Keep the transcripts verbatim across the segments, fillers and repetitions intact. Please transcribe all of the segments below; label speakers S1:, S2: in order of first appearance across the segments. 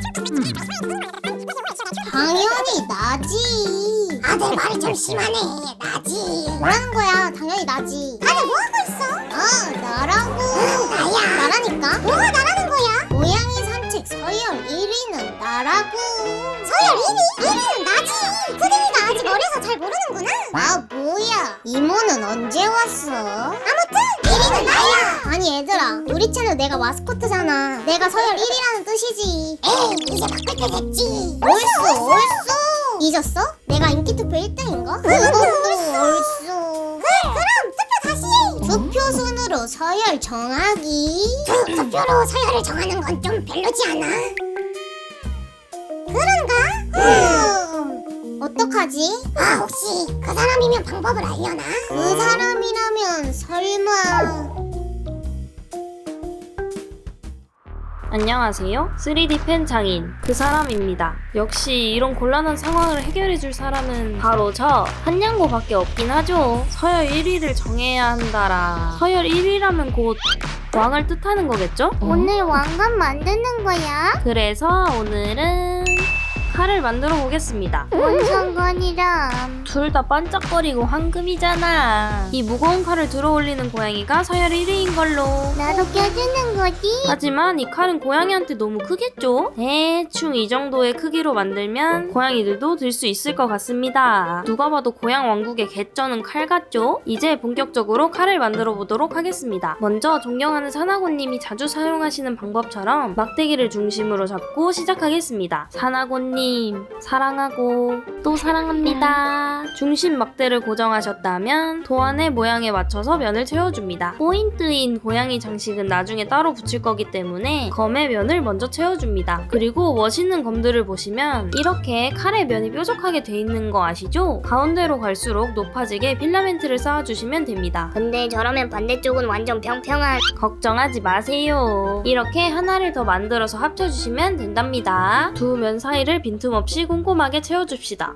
S1: 당연히 나지.
S2: 아들 말이 좀 심하네. 나지.
S1: 뭐라는 거야? 당연히 나지.
S2: 다들 뭐 하고 있어?
S1: 어, 나라고.
S2: 응, 나야.
S1: 나라니까.
S2: 뭐가 나라는 거야?
S1: 고양이 산책 서열 일 위는 나라고.
S2: 서열 일 위? 일 위는 나지. 푸딩이가 아직 어려서 잘 모르는구나.
S1: 아, 뭐야? 이모는 언제 왔어?
S2: 아무튼 일 위는 나야.
S1: 아니 얘들아, 우리 채널 내가 마스코트잖아. 내가 서열 일 위라는 뜻이지.
S2: 에이, 이제 바꿀 때 됐지.
S1: 옳소 옳소. 잊었어? 내가 인기투표 일 등인 거? 그것도 옳소.
S2: 그래, 그럼 투표 다시 해.
S1: 투표 순으로 서열 정하기.
S2: 그 투표로 서열을 정하는 건 좀 별로지 않아? 그런가?
S1: 음, 어떡하지?
S2: 아, 혹시 그 사람이면 방법을 알려나?
S1: 그 사람이라면 설마.
S3: 안녕하세요. 쓰리디 펜 장인 그 사람입니다. 역시 이런 곤란한 상황을 해결해줄 사람은 바로 저 한양고밖에 없긴 하죠. 서열 일 위를 정해야 한다라. 서열 일 위라면 곧 왕을 뜻하는 거겠죠?
S1: 오늘 왕관 만드는 거야?
S3: 그래서 오늘은 칼을 만들어 보겠습니다.
S1: 뭔 상관이람.
S3: 둘 다 반짝거리고 황금이잖아. 이 무거운 칼을 들어 올리는 고양이가 서열 일 위인 걸로.
S1: 나도 껴주는 거지?
S3: 하지만 이 칼은 고양이한테 너무 크겠죠? 대충 이 정도의 크기로 만들면 고양이들도 들 수 있을 것 같습니다. 누가 봐도 고양 왕국의 개쩌는 칼 같죠? 이제 본격적으로 칼을 만들어 보도록 하겠습니다. 먼저 존경하는 사나고님이 자주 사용하시는 방법처럼 막대기를 중심으로 잡고 시작하겠습니다. 사나고님 사랑하고 또 사랑합니다. 중심 막대를 고정하셨다면 도안의 모양에 맞춰서 면을 채워줍니다. 포인트인 고양이 장식은 나중에 따로 붙일 거기 때문에 검의 면을 먼저 채워줍니다. 그리고 멋있는 검들을 보시면 이렇게 칼의 면이 뾰족하게 돼 있는 거 아시죠? 가운데로 갈수록 높아지게 필라멘트를 쌓아주시면 됩니다.
S1: 근데 저러면 반대쪽은 완전 평평한.
S3: 걱정하지 마세요. 이렇게 하나를 더 만들어서 합쳐주시면 된답니다. 두 면 사이를 빈틈없이 꼼꼼하게 채워줍시다.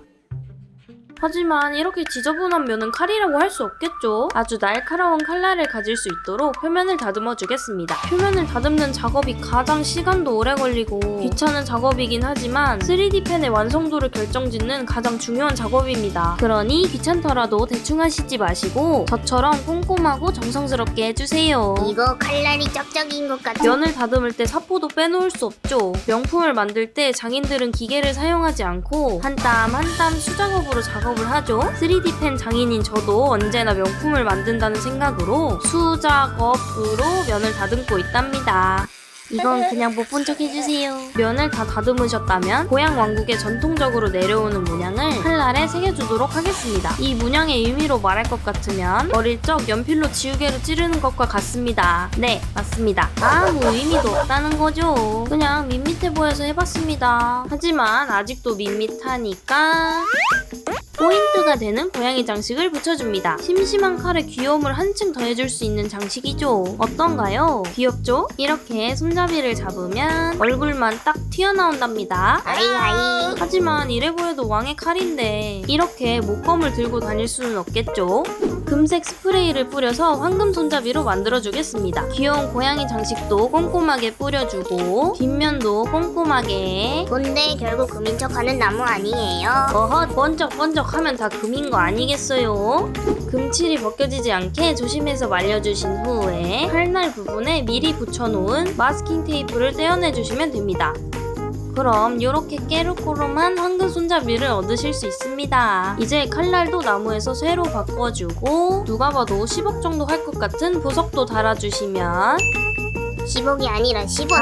S3: 하지만 이렇게 지저분한 면은 칼이라고 할 수 없겠죠? 아주 날카로운 칼날을 가질 수 있도록 표면을 다듬어 주겠습니다. 표면을 다듬는 작업이 가장 시간도 오래 걸리고 귀찮은 작업이긴 하지만 쓰리디 펜의 완성도를 결정짓는 가장 중요한 작업입니다. 그러니 귀찮더라도 대충 하시지 마시고 저처럼 꼼꼼하고 정성스럽게 해주세요.
S1: 이거 칼날이 쩍쩍인 것 같아.
S3: 면을 다듬을 때 사포도 빼놓을 수 없죠. 명품을 만들 때 장인들은 기계를 사용하지 않고 한 땀 한 땀 수작업으로 작업을 하죠. 쓰리디 펜 장인인 저도 언제나 명품을 만든다는 생각으로 수작업으로 면을 다듬고 있답니다. 이건 그냥 못 본 척 해주세요. 면을 다 다듬으셨다면 고양 왕국에 전통적으로 내려오는 문양을 칼날에 새겨주도록 하겠습니다. 이 문양의 의미로 말할 것 같으면 어릴 적 연필로 지우개로 찌르는 것과 같습니다. 네, 맞습니다. 아무 의미도 없다는 거죠. 그냥 밋밋해 보여서 해봤습니다. 하지만 아직도 밋밋하니까 포인트가 되는 고양이 장식을 붙여줍니다. 심심한 칼에 귀여움을 한층 더해줄 수 있는 장식이죠. 어떤가요? 귀엽죠? 이렇게 손잡이를 잡으면 얼굴만 딱 튀어나온답니다.
S1: 아이아이.
S3: 하지만 이래 보여도 왕의 칼인데 이렇게 목검을 들고 다닐 수는 없겠죠? 금색 스프레이를 뿌려서 황금 손잡이로 만들어주겠습니다. 귀여운 고양이 장식도 꼼꼼하게 뿌려주고 뒷면도 꼼꼼하게.
S1: 근데 결국 금인 척하는 나무 아니에요?
S3: 어헛, 번쩍번쩍 하면 다 금인 거 아니겠어요? 금칠이 벗겨지지 않게 조심해서 말려주신 후에 칼날 부분에 미리 붙여놓은 마스킹 테이프를 떼어내주시면 됩니다. 그럼 이렇게 깨르꼬름한 황금 손잡이를 얻으실 수 있습니다. 이제 칼날도 나무에서 쇠로 바꿔주고 누가 봐도 십억 정도 할 것 같은 보석도 달아주시면
S1: 십억이 아니라 십원.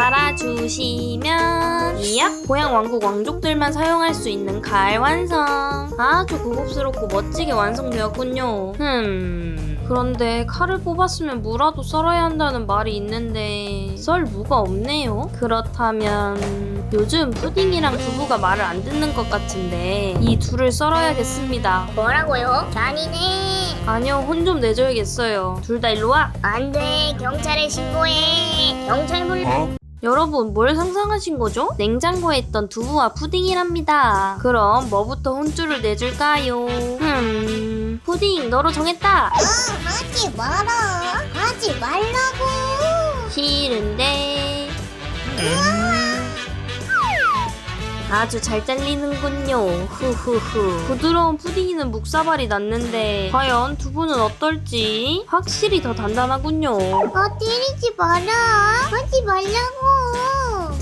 S3: 달아주시면 이야 고양 왕국 왕족들만 사용할 수 있는 칼 완성. 아주 고급스럽고 멋지게 완성되었군요. 흠 그런데 칼을 뽑았으면 무라도 썰어야 한다는 말이 있는데 썰 무가 없네요. 그렇다면 요즘 푸딩이랑 두부가 말을 안 듣는 것 같은데 이 둘을 썰어야겠습니다.
S1: 뭐라고요? 잔이네.
S3: 아니요, 혼 좀 내줘야겠어요. 둘 다 일로 와.
S1: 안돼, 경찰에 신고해. 경찰 불러.
S3: 여러분, 뭘 상상하신 거죠? 냉장고에 있던 두부와 푸딩이랍니다. 그럼 뭐부터 혼쭐을 내줄까요? 음... 푸딩, 너로 정했다!
S1: 어, 하지 마라. 하지 말라고.
S3: 싫은데... 아주 잘 잘리는군요. 후후후. 부드러운 푸딩이는 묵사발이 났는데 과연 두부는 어떨지 확실히 더 단단하군요.
S2: 아, 때리지 마라. 하지 말라고.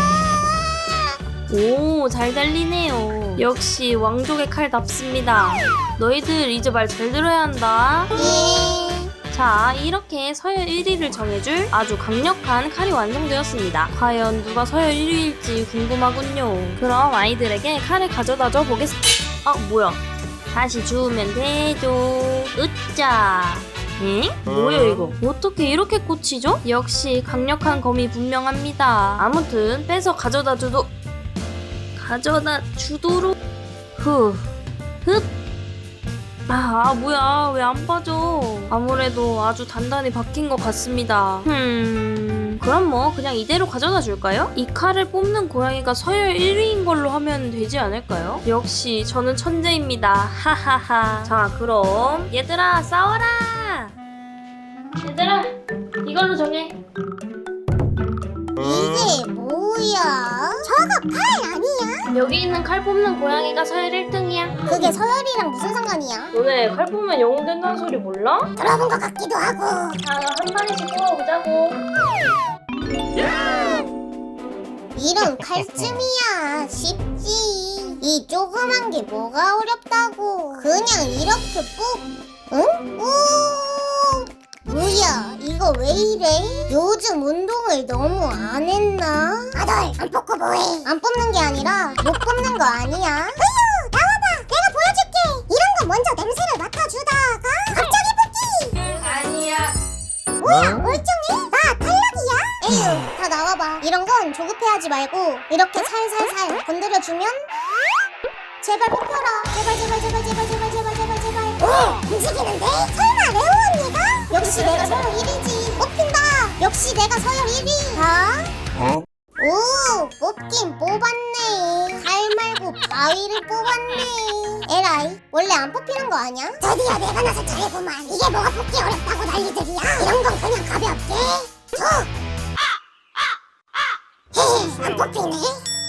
S3: 오, 잘 달리네요. 역시 왕족의 칼답습니다. 너희들 이제 말 잘 들어야 한다.
S2: 예.
S3: 자, 이렇게 서열 일 위를 정해줄 아주 강력한 칼이 완성되었습니다. 과연 누가 서열 일 위일지 궁금하군요. 그럼 아이들에게 칼을 가져다 줘 보겠습니다. 아, 뭐야. 다시 주우면 되죠. 으짜. 응? 뭐야 이거? 어떻게 이렇게 꽂히죠? 역시 강력한 검이 분명합니다. 아무튼 빼서 가져다 주도 가져다 주도록 후 흡. 아, 뭐야 왜 안 빠져? 아무래도 아주 단단히 박힌 것 같습니다. 흠 그럼 뭐 그냥 이대로 가져다 줄까요? 이 칼을 뽑는 고양이가 서열 일 위인 걸로 하면 되지 않을까요? 역시 저는 천재입니다. 하하하. 자, 그럼 얘들아 싸워라. 얘들아 이걸로 정해.
S2: 이게 뭐야? 저거 팔 아니야?
S3: 여기 있는 칼 뽑는 고양이가 서열 일 등이야.
S2: 그게 서열이랑 무슨 상관이야?
S3: 너네 칼 뽑으면 영웅 된다는 소리 몰라?
S2: 들어본 것 같기도 하고.
S3: 자, 한 판씩 뽑아보자고.
S2: 이런 칼춤이야. 쉽지. 이 조그만 게 뭐가 어렵다고. 그냥 이렇게 뽑. 응? 오. 뭐야, 이거 왜 이래? 요즘 운동을 너무 안 했나? 아들, 안 뽑고 뭐해? 안 뽑는 게 아니라 못 뽑는 거 아니야? 으유, 나와봐. 내가 보여줄게. 이런 거 먼저 냄새를 맡아주다가 갑자기 뽑기.
S3: 아니야.
S2: 뭐야, 멀쩡해? 나 탈락이야? 에휴, 다 나와봐. 이런 건 조급해하지 말고 이렇게 살살살 건드려주면 제발 뽑혀라. 제발 제발 제발 제발 제발 제발 제발 제발. 오, 움직이는데? 설마 레오 언니가? 역시 내가 서열 일 위지. 뽑힌다. 역시 내가 서열 일 위. 자. 오, 뽑긴 뽑았네. 칼 말고 바위를 뽑았네. 에라이, 원래 안 뽑히는 거 아니야? 드디어 내가 나서 잘해보만. 이게 뭐가 뽑기 어렵다고 난리들이야. 이런 건 그냥 가볍게 툭. 헤헤, 안 뽑히네.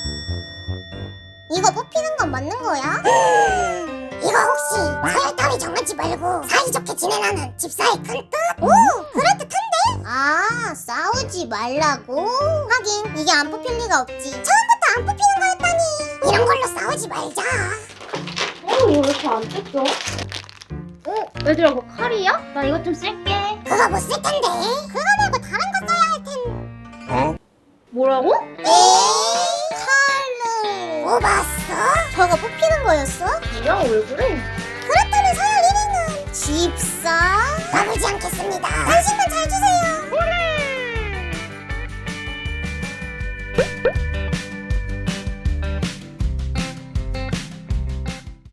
S2: 이거 뽑히는 건 맞는 거야? 음, 이거 혹시 서열 따위 정하지 말고 사이좋게 지내라는 집사의 큰 뜻? 오, 그럴듯한데? 아, 싸우지 말라고? 하긴 이게 안 뽑힐 리가 없지. 처음부터 안 뽑히는 거였다니. 이런 걸로 싸우지 말자.
S3: 어, 이거 왜 이렇게 안 뜯겨? 어, 얘들아, 그거 칼이야? 나 이거 좀 쓸게.
S2: 그거 못 쓸 텐데. 그거 말고 다른 거 써야 할 텐데.
S3: 뭐라고?
S2: 에이, 칼을 뽑았어? 저거 뽑히는 거였어?
S3: 야, 왜 그래?
S2: 그렇다면 서열 일 위는 집사? 나쁘지 않겠어?